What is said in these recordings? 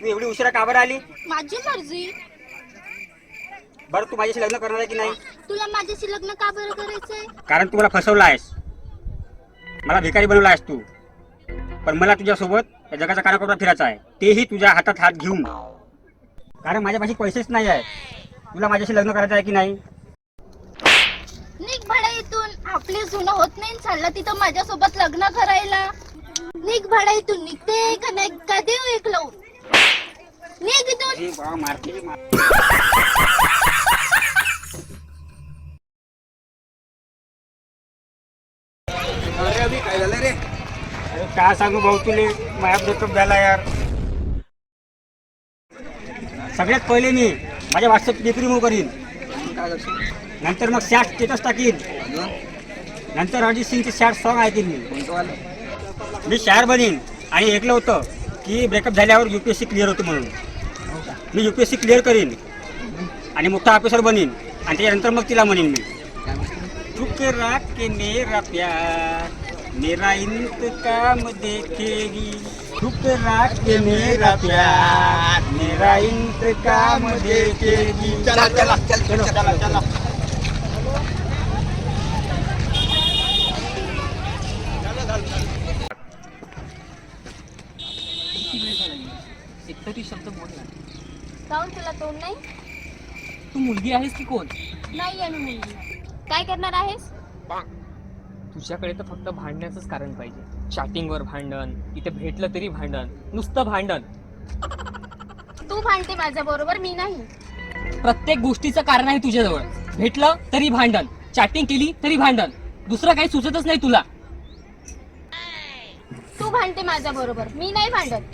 तू एवढी उशिरा का बरं आली? माझी मर्जी. बरं तू माझ्याशी लग्न करणार आहे की नाही? तुला माझ्याशी लग्न का बरं करायचंय? कारण तू मला फसवला आहेस, मला भिकारी बनवला आहेस तू. पण मला तुझ्यासोबत या जगाचा कानाकोपरा फिरायचा आहे, तेही तुझ्या हातात हात घेऊन. कारण माझ्यापाशी पैसेच नाही आहे. तुला माझ्याशी लग्न करायचं आहे की नाही? निघ भाड्या इथून. आपली जुनं होत नाही चाललं तिथं माझ्यासोबत लग्न करायला. निघ भाड्या इथून. निघते का नाही का देऊ एक लावून. निघ इथून. अरे अभि काय झालं रे? अरे काय सांगू भाऊ तुले, माझा ब्रेकअप झाला यार. सगळ्यात पहिले मी माझ्या व्हॉट्सअप डीपी रिमूव्ह करीन, नंतर मग सॅड स्टेटस टाकीन, नंतर अरिजित सिंगचे सॅड सॉन्ग ऐकीन मी शायर बनीन. आणि ऐकलं होतं की ब्रेकअप झाल्यावर UPSC क्लिअर होते म्हणून. मी UPSC क्लिअर करीन आणि मोठा ऑफिसर बनीन. आणि त्याच्यानंतर मग तिला म्हणेन मी, ठुकरा के मेरा प्यार मेरा इंतकाम देखेगी. ठुकरा के मेरा प्यार मेरा इंतकाम देखेगी. चला चला चलो चला चला. एकतरी शब्द बोल ना. जाऊन तुला तोंड नाही? तू मुलगी आहेस की कोण? नाही आहे मी मुलगी. काय करणार आहेस? तुझ्याकडे तर फक्त भांडण्याचंच कारण पाहिजे. चॅटिंगवर भांडण, इथे भेटलं तरी भांडण, नुसतं भांडण. तू भांडते माझ्या बरोबर, मी नाही. प्रत्येक गोष्टीचं कारण आहे तुझ्याजवळ. भेटलं तरी भांडण, चॅटिंग केली तरी भांडण, दुसरं काही सुचतच नाही तुला. तू भांडते माझ्या बरोबर, मी नाही भांडत.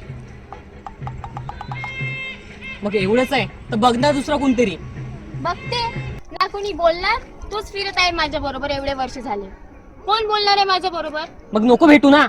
मग एवढंच आहे तर बघ ना दुसरं कोणतरी. बघते ना. कोणी बोलणार? तूच फिरत आहे माझ्या बरोबर एवढे वर्ष झाले. कोण बोलणार आहे माझ्या बरोबर? मग नको भेटू ना.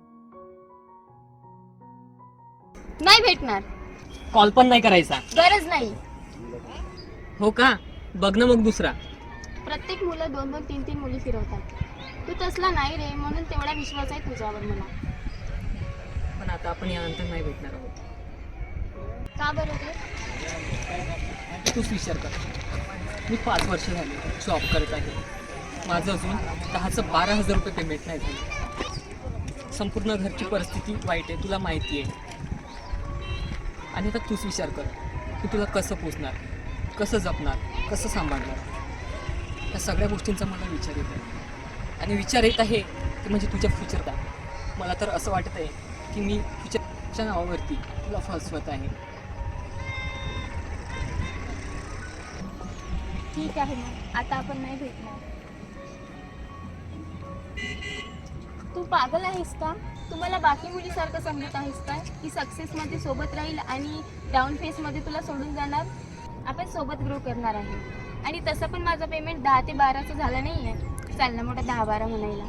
नाही भेटणार. कॉल पण नाही करायचा. गरज नाही. हो का? बघ ना मग दुसरा. प्रत्येक मुलं 2-2, 3-3 मुली फिरवतात. तू तसला नाही रे, म्हणून तेवढा विश्वास आहे तुझ्यावर मला. पण आता आपण यानंतर नाही भेटणार आहोत. का बरं ते? तूच विचार कर. मी 5 वर्ष झाले जॉब करत आहे. माझं अजून 10,000-12,000 रुपये पेमेंट नाही झालं. संपूर्ण घरची परिस्थिती वाईट आहे, तुला माहिती आहे. आणि आता तूच विचार कर की तुला कसं पोचणार, कसं जपणार, कसं सांभाळणार. या सगळ्या गोष्टींचा मला विचार येत आहे. आणि विचार येत आहे की म्हणजे तुझ्या फ्युचरचा. मला तर असं वाटत आहे की मी फ्युचरच्या नावावरती तुला फसवत आहे. ठीक आहे मग, आता आपण नाही भेटणार. तू पागल आहेस का? तू मला बाकी मुलीसारखं समजत आहेस का की सक्सेसमध्ये सोबत राहील आणि डाऊन फेसमध्ये तुला सोडून जाणार? आपण सोबत ग्रो करणार आहे. आणि तसं पण माझं पेमेंट 10 ते 12चं झालं नाही आहे. चाल ना मोठा 10-12 म्हणायला.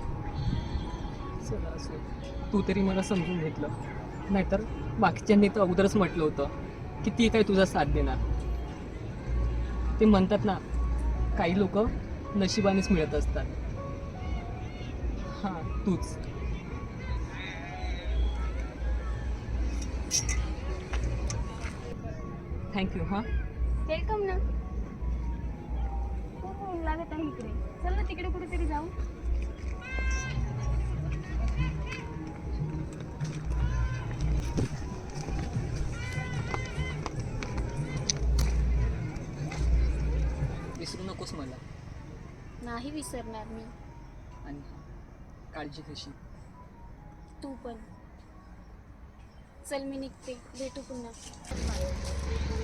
तू तरी मला समजून घेतलं, नाहीतर बाकीच्यांनी तर अगोदरच म्हटलं होतं की ती काय तुझा साथ देणार. ते म्हणतात ना, काही लोक नशिबानेच मिळत असतात. हां, तूच. थँक्यू. हां, वेलकम ना. खूप ऊन लागत आहे इकडे. चल ना तिकडे कुठेतरी जाऊ. विसरू नकोस मला. नाही विसरणार मी. आणि काळजी कशी. तू पण. चल मी निघते, भेटू पुन्हा.